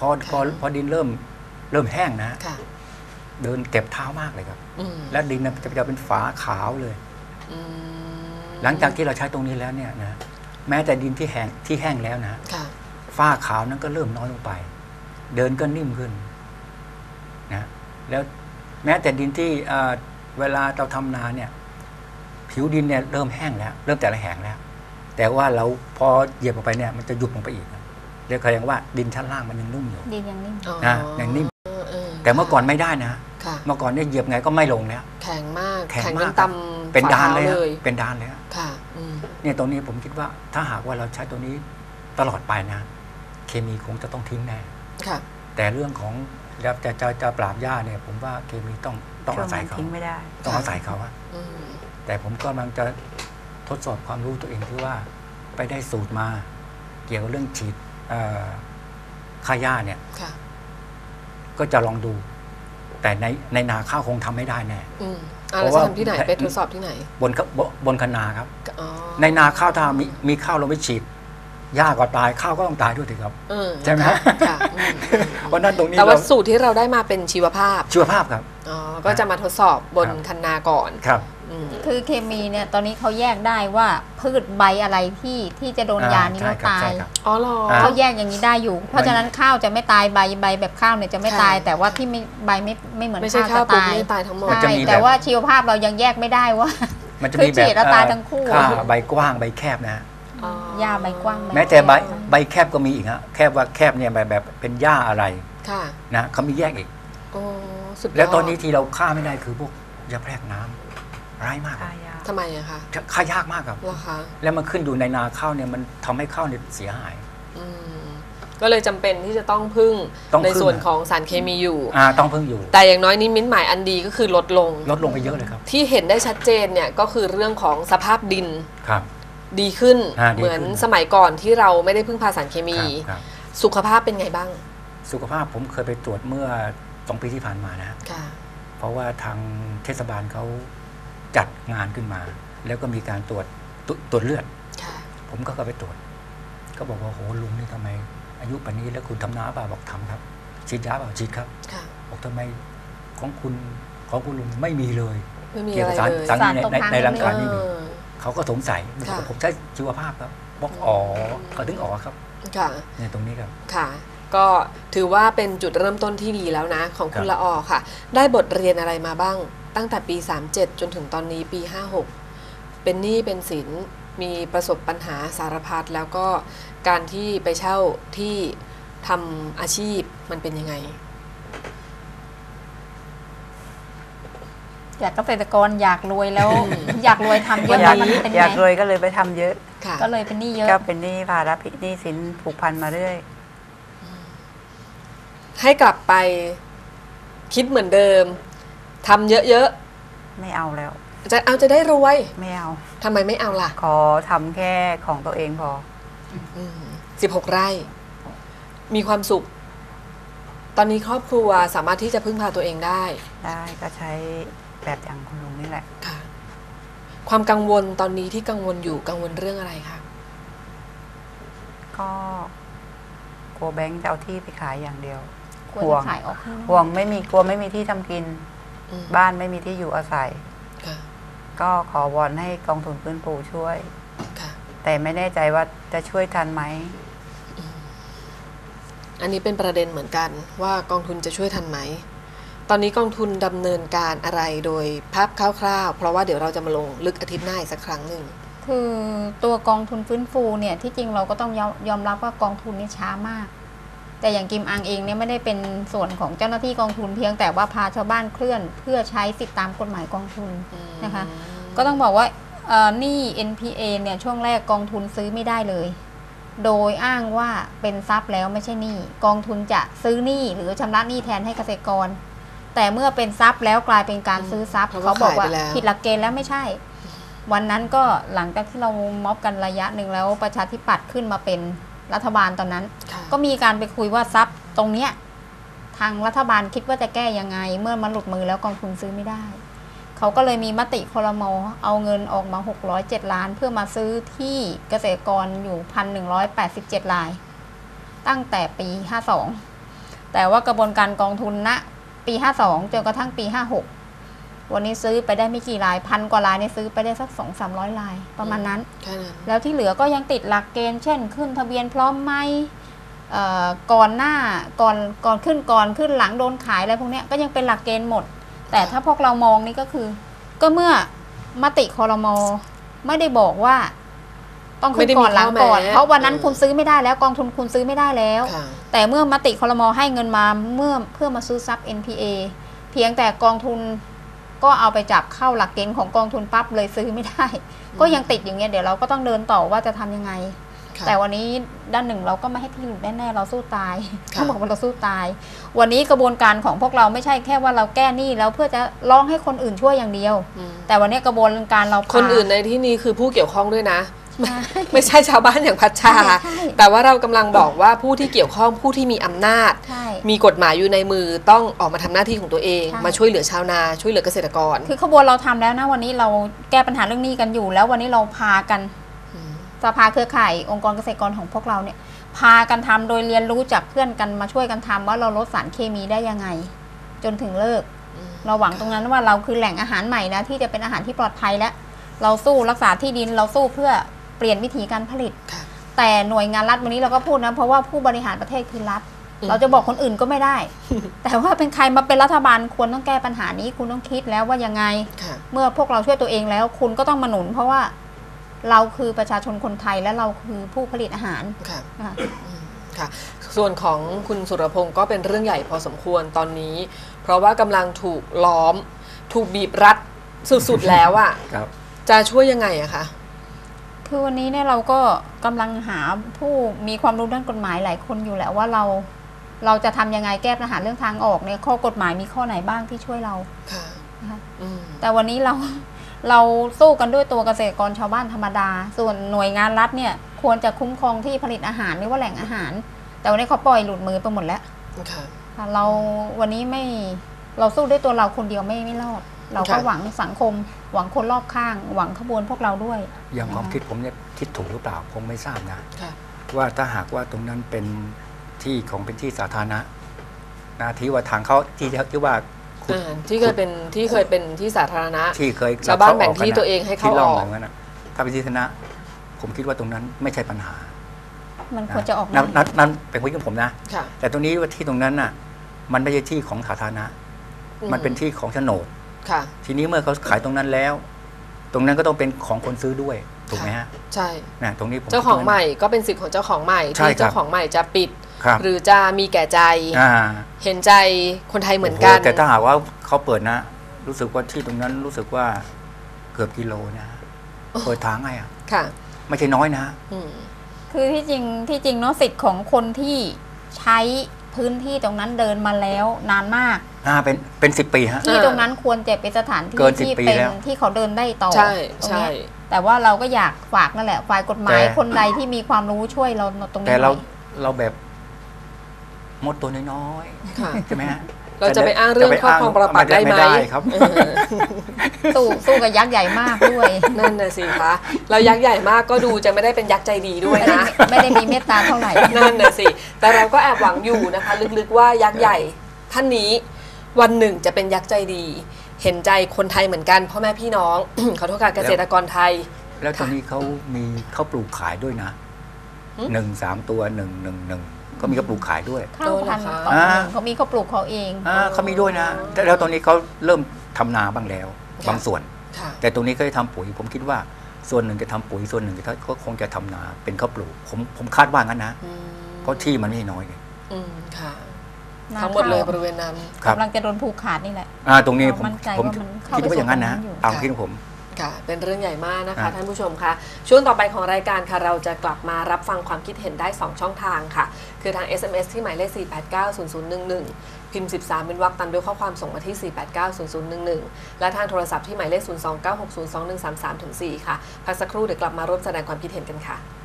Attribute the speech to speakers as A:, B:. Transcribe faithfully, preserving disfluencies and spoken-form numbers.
A: อพอพอดินเริ่มเริ่มแห้งนะเดินเก็บเท้ามากเลยครับแล้วดินจะจะเป็นฝาขาวเลยหลังจากที่เราใช้ตรงนี้แล้วเนี่ยนะแม้แต่ดินที่แห้งที่แห้งแล้วนะฝ้าขาวนั้นก็เริ่มน้อยลงไปเดินก็นิ่มขึ้นนะแล้วแม้แต่ดินที่เวลาเราทำนาเนี่ยผิวดินเนี่ยเริ่มแห้งแล้วเริ่มแต่ละแห้งแล้วแต่ว่าเราพอเหยียบลงไปเนี่ยมันจะหยุดลงไปอีกเรียกแสดงว่าดินชั้นล่างมันยังนุ่มอยู่
B: ดินยังนิ่ม
A: นะยังนิ่มแต่เมื่อก่อนไม่ได้นะเมื่อก่อนเนี่ยเหยียบไงก็ไม่ลงแล้ว
C: แข็งมาก
A: แข็งมากเป็นดานเลยเป็นดานเลยค่ะเนี่ยตรงนี้ผมคิดว่าถ้าหากว่าเราใช้ตัวนี้ตลอดไปนะเคมีคงจะต้องทิ้งแน่แต่เรื่องของจะจะจะจะปราบหญ้าเนี่ยผมว่าเคมีต้องต้องอาศัยเขา
B: ทิ้งไม่ได้
A: ต้องอาศัยเขาอะแต่ผมก็กำลังจะทดสอบความรู้ตัวเองที่ว่าไปได้สูตรมาเกี่ยวกับเรื่องฉีดฆ่าหญ้าเนี่ยก็จะลองดูแต่ในในนาข้าวคงทำไม่ได้แน่
C: เพราะว่าที่ไหนไปทดสอบที่ไหน
A: บนบนคันนาครับในนาข้าวถ้ามีมีข้าวเราไปฉีดหญ้าก็ตายข้าวก็ต้องตายด้วยสิครับใช่ไหมเพราะนั้นตรงนี้
C: แต่ว่าสูตรที่เราได้มาเป็นชีวภาพ
A: ชีวภาพครับ
C: อ๋อก็จะมาทดสอบบนคันนาก่อน
A: ครับ
B: คือเคมีเนี่ยตอนนี้เขาแยกได้ว่าพืชใบอะไรที่ที่จะโดนยานี้แล้วตาย
C: อ๋อเหรอ
B: เขาแยกอย่างนี้ได้อยู่เพราะฉะนั้นข้าวจะไม่ตายใบใบแบบข้าวเนี่ยจะไม่ตายแต่ว่าที่ไม่ใบไม่ไม่เหมือนข้าวจะตาย
C: ไม่ตายทั้งหมด
B: ใช่แต่ว่าชีวภาพเรายังแยกไม่ได้ว่า
A: มันจะมีแบบ
B: ตายทั้งคู่
A: ใบกว้างใบแคบนะ
B: หญ้าใบกว้าง
A: แม้แต่ใบใบแคบก็มีอีกฮะแคบว่าแคบเนี่ยแบบแบบเป็นหญ้าอะไรนะเขามีแยกอีกแล้วตอนนี้ที่เราฆ่าไม่ได้คือพวกยาแพรกน้ำร้ายมาก
C: ทำไมอะคะ
A: ฆ่ายากมากครับแล้วมันขึ้นอยู่ในนาข้าวเนี่ยมันทำให้ข้าวเนี่ยเสียหาย
C: ก็เลยจำเป็นที่จะต้องพึ่งในส่วนของสารเคมีอยู่
A: ต้องพึ่งอยู่
C: แต่อย่างน้อยนิมิตหมายอันดีก็คือลดลง
A: ลดลงไปเยอะเลยครับ
C: ที่เห็นได้ชัดเจนเนี่ยก็คือเรื่องของสภาพดิน
A: ครับ
C: ดีขึ้นเหมือนสมัยก่อนที่เราไม่ได้พึ่งพาสารเคมีสุขภาพเป็นไงบ้าง
A: สุขภาพผมเคยไปตรวจเมื่อสองปีที่ผ่านมานะเพราะว่าทางเทศบาลเขาจัดงานขึ้นมาแล้วก็มีการตรวจตรวจเลือดผมก็ไปตรวจก็บอกว่าโหลุงนี่ทำไมอายุป่านนี้แล้วคุณทำน้าเปล่าบอกทำครับฉีดยาเปล่าฉีดครับบอกทำไมของคุณของคุณลุงไม่มีเลยเกี่ยวกับสารสารในในร่างกายไม่มีเขาก็สงสัยผมใช้ชีวภาพครับบอกอ๋อเขาถึงอ๋อครับ
C: ค่ะ
A: ในตรงนี้ครับ
C: ค่ะก็ถือว่าเป็นจุดเริ่มต้นที่ดีแล้วนะของคุณละออค่ะได้บทเรียนอะไรมาบ้างตั้งแต่ปีสามเจ็ดจนถึงตอนนี้ปีห้าหกเป็นหนี้เป็นสินมีประสบปัญหาสารพัดแล้วก็การที่ไปเช่าที่ทำอาชีพมันเป็นยังไง
B: อยากเกษตรกรอยากรวยแล้ว อยากรวยทำเยอะมันเป็นไง
D: อยากรวยก็เลยไปทำเยอะ
B: ก็เลยเป็นหนี้เยอะ
D: ก็เป็นหนี้ภาระหนี้สินผูกพันมาเรื่อย
C: ให้กลับไปคิดเหมือนเดิมทำเยอะ
D: ๆไม่เอาแล้ว
C: จะเอาจะได้รวย
D: ไม่เอา
C: ทำไมไม่เอาล่ะ
D: ขอทำแค่ของตัวเองพอ
C: สิบหกไร่มีความสุขตอนนี้ครอบครัวสามารถที่จะพึ่งพาตัวเองได้
D: ได้ก็ใช้แบบอย่างคุณลุงนี่แหละ
C: ค่ะความกังวลตอนนี้ที่กังวลอยู่กังวลเรื่องอะไรคะ
D: ก็กลัวแบงค์จะเอาที่ไปขายอย่างเดียวห่วงห่วงไม่มีกลัวไม่มีที่ทำกินบ้านไม่มีที่อยู่อาศัยก็ขอวอนให้กองทุนฟื้นฟูช่วยแต่ไม่แน่ใจว่าจะช่วยทันไหม
C: อันนี้เป็นประเด็นเหมือนกันว่ากองทุนจะช่วยทันไหมตอนนี้กองทุนดำเนินการอะไรโดยภาพคร่าวๆเพราะว่าเดี๋ยวเราจะมาลงลึกอาทิตย์หน้าอีกสักครั้งหนึ่ง
B: คือตัวกองทุนฟื้นฟูเนี่ยที่จริงเราก็ต้องยอมรับว่ากองทุนนี่ช้ามากแต่อย่างกิมอังเองเนี่ยไม่ได้เป็นส่วนของเจ้าหน้าที่กองทุนเพียงแต่ว่าพาชาวบ้านเคลื่อนเพื่อใช้สิทธิตามกฎหมายกองทุนนะคะก็ต้องบอกว่าหนี้ เอ็น พี เอ เนี่ยช่วงแรกกองทุนซื้อไม่ได้เลยโดยอ้างว่าเป็นทรัพย์แล้วไม่ใช่หนี้กองทุนจะซื้อหนี้หรือชำระหนี้แทนให้เกษตรกรแต่เมื่อเป็นทรัพย์แล้วกลายเป็นการซื้อทรัพย์เขาบอกว่าผิดหลักเกณฑ์แล้วไม่ใช่วันนั้นก็หลังจากที่เราม็อบกันระยะหนึ่งแล้วประชาธิปัตย์ขึ้นมาเป็นรัฐบาลตอนนั้นก็มีการไปคุยว่าทรัพย์ตรงเนี้ยทางรัฐบาลคิดว่าจะแก้ยังไงเมื่อมันหลุดมือแล้วกองทุนซื้อไม่ได้เขาก็เลยมีมติครม.เอาเงินออกมาหกร้อยเจ็ดล้านเพื่อมาซื้อที่เกษตรกรอยู่ หนึ่งพันหนึ่งร้อยแปดสิบเจ็ด รายตั้งแต่ปีห้าสองแต่ว่ากระบวนการกองทุนณปีห้าสองจนกระทั่งปีห้าหกวันนี้ซื้อไปได้ไม่กี่รายพันกว่ารายเนี่ยซื้อไปได้สักสองสามร้อยรายประมาณนั้นแล้วที่เหลือก็ยังติดหลักเกณฑ์เช่นขึ้นทะเบียนพร้อมไหมก่อนหน้าก่อนก่อนขึ้นก่อนขึ้นหลังโดนขายอะไรพวกนี้ก็ยังเป็นหลักเกณฑ์หมดแต่ถ้าพวกเรามองนี่ก็คือก็เมื่อมติครม.ไม่ได้บอกว่าต้องขึ้นก่อนหลังก่อนเพราะวันนั้นคุณซื้อไม่ได้แล้วกองทุนคุณซื้อไม่ได้แล้วแต่เมื่อมติครม.ให้เงินมาเมื่อเพื่อมาซื้อทรัพย์ เอ็น พี เอ เพียงแต่กองทุนก็เอาไปจับเข้าหลักเกณฑ์ของกองทุนปั๊บเลยซื้อไม่ได้ก็ยังติดอย่างเงี้ยเดี๋ยวเราก็ต้องเดินต่อว่าจะทำยังไงแต่วันนี้ด้านหนึ่งเราก็ไม่ให้ที่หลุดแน่ๆเราสู้ตายเขาบอกว่าเราสู้ตายวันนี้กระบวนการของพวกเราไม่ใช่แค่ว่าเราแก้หนี้แล้วเพื่อจะร้องให้คนอื่นช่วยอย่างเดียวแต่วันนี้กระบวนการเรา
C: คนอื่นในที่นี้คือผู้เกี่ยวข้องด้วยนะไม่ใช่ชาวบ้านอย่างพัชชาแต่ว่าเรากำลังบอกว่าผู้ที่เกี่ยวข้องผู้ที่มีอำนาจมีกฎหมายอยู่ในมือต้องออกมาทำหน้าที่ของตัวเองมาช่วยเหลือชาวนาช่วยเหลือเกษตรกร
B: คือขบวนเราทำแล้วนะวันนี้เราแก้ปัญหาเรื่องหนี้กันอยู่แล้ววันนี้เราพากันสภาเครือข่ายองค์กรเกษตรกรของพวกเราเนี่ยพากันทำโดยเรียนรู้จากเพื่อนกันมาช่วยกันทำว่าเราลดสารเคมีได้ยังไงจนถึงเลิกเราหวังตรงนั้นว่าเราคือแหล่งอาหารใหม่นะที่จะเป็นอาหารที่ปลอดภัยและเราสู้รักษาที่ดินเราสู้เพื่อเปลี่ยนวิธีการผลิตแต่หน่วยงานรัฐวันนี้เราก็พูดนะเพราะว่าผู้บริหารประเทศคือรัฐเราจะบอกคนอื่นก็ไม่ได้แต่ว่าเป็นใครมาเป็นรัฐบาลควรต้องแก้ปัญหานี้คุณต้องคิดแล้วว่ายังไงเมื่อพวกเราช่วยตัวเองแล้วคุณก็ต้องมาหนุนเพราะว่าเราคือประชาชนคนไทยและเราคือผู้ผลิตอาหารค่ะ
C: ค่ะส่วนของคุณสุรพงศ์ก็เป็นเรื่องใหญ่พอสมควรตอนนี้เพราะว่ากำลังถูกล้อมถูกบีบรัดสุดๆแล้วอ่ะจะช่วยยังไงอะคะ
B: คือวันนี้เนี่ยเราก็กำลังหาผู้มีความรู้ด้านกฎหมายหลายคนอยู่แหละว่าเราเราจะทำยังไงแก้ปัญหาเรื่องทางออกเนี่ยข้อกฎหมายมีข้อไหนบ้างที่ช่วยเราค่ะแต่วันนี้เราเราสู้กันด้วยตัวเกษตรกรชาวบ้านธรรมดาส่วนหน่วยงานรัฐเนี่ยควรจะคุ้มครองที่ผลิตอาหารหรือว่าแหล่งอาหารแต่วันนี้เขาปล่อยหลุดมือไปหมดแล้วเราวันนี้ไม่เราสู้ด้วยตัวเราคนเดียวไม่ไม่รอดเราก็หวังสังคมหวังคนรอบข้างหวังขบวนพวกเราด้วย
A: อย่างความคิดผมเนี่ยคิดถูกหรือเปล่าผมไม่ทราบนะว่าถ้าหากว่าตรงนั้นเป็นที่ของเป็นที่สาธารณะนะที่ว่าทางเขาที่ที่ว่า
C: ที่เคยเป็นที่เคยเป็นที่สาธารณะ
A: ที่เคย
C: ชาวบ้านแบ่งที่ตัวเองให้เข้าออก
A: ถ้าเป็นที่สาธารณะผมคิดว่าตรงนั้นไม่ใช่ปัญหา
B: มันควรจะออก
A: นั้นนั้นเป็นความคิดของผมนะแต่ตรงนี้ว่าที่ตรงนั้นน่ะมันไม่ใช่ที่ของสาธารณะมันเป็นที่ของโฉนดทีนี้เมื่อเขาขายตรงนั้นแล้ว ตรงนั้นก็ต้องเป็นของคนซื้อด้วยถูกไหมฮะ
C: ใช่
A: นะตรงนี้ผม
C: เจ้าของใหม่ก็เป็นสิทธิ์ของเจ้าของใหม่ที่เจ้าของใหม่จะปิดหรือจะมีแก่ใจเห็นใจคนไทยเหมือนกัน
A: แต่ถ้าหากว่าเขาเปิดนะรู้สึกว่าที่ตรงนั้นรู้สึกว่าเกือบกิโลนะเปิดทางไงอ่ะไม่ใช่น้อยนะ
B: คือที่จริงที่จริงเนาะสิทธิ์ของคนที่ใช้พื้นที่ตรงนั้นเดินมาแล้วนานมาก
A: อ่าเป็นเป็นสิบปีฮะ
B: ที่ตรงนั้นควรจะเป็นสถานที่ที่เป็นที่เขาเดินได้ต่อ
C: ใช่ใช่
B: แต่ว่าเราก็อยากฝากนั่นแหละฝ่ายกฎหมายคนใดที่มีความรู้ช่วยเราตรงนี้
A: แต่เราเราแบบมดตัวน้อยๆใช่ไหมฮะ
C: เราจะไปอ้างเรื่องครอบครองปรปักษ์ได้ไหม
A: ครับ
B: สู้สู้กับยักษ์ใหญ่มากด้วย
C: นั่นน่ะสิคะเรายักษ์ใหญ่มากก็ดูจะไม่ได้เป็นยักษ์ใจดีด้วยนะ
B: ไม่ได้มีเมตตาเท่าไหร่
C: นั่นน่ะสิแต่เราก็แอบหวังอยู่นะคะลึกๆว่ายักษ์ใหญ่ท่านนี้วันหนึ่งจะเป็นยักษ์ใจดีเห็นใจคนไทยเหมือนกันพ่อแม่พี่น้องขอโทษค่ะเกษตรกรไทย
A: แล้วตอนนี้เขามีเขาปลูกขายด้วยนะหนึ่งสามตัวหนึ่งหนึ่งหนึ่งก็มีเขาปลูกขายด้วย
B: ข้าวพันธุ์เขามีเขาปลูกเขาเอง
A: เขามีด้วยนะแล้วตอนนี้เขาเริ่มทำนาบ้างแล้วบางส่วนแต่ตรงนี้ก็จะทำปุ๋ยผมคิดว่าส่วนหนึ่งจะทำปุ๋ยส่วนหนึ่งก็คงจะทำนาเป็นข้าวปลูกผมผมคาดว่างั้นนะเพราะที่มันไม่น้อยเลย
C: ทั้งหมดเลยบริเวณนั้น
B: กำลังจะโดนผูกขาดนี่แหละ
A: ตรงนี้ผมผมคิดว่าอย่างนั้นนะตามคิดของผม
C: ค่ะเป็นเรื่องใหญ่มากนะคะท่านผู้ชมคะช่วงต่อไปของรายการค่ะเราจะกลับมารับฟังความคิดเห็นได้สองช่องทางค่ะคือทาง เอส เอ็ม เอส ที่หมายเลขสี่ แปด เก้า ศูนย์ ศูนย์ หนึ่ง หนึ่งพิมพ์สิบสามเป็นวรรคตามด้วยข้อความส่งมาที่สี่ แปด เก้า ศูนย์ ศูนย์ หนึ่ง หนึ่งและทางโทรศัพท์ที่หมายเลขศูนย์ สอง เก้า หก ศูนย์ สอง หนึ่ง สาม สาม สี่ค่ะพักสักครู่เดี๋ยวกลับมาร่วมแสดงความคิดเห็นกันค่ะ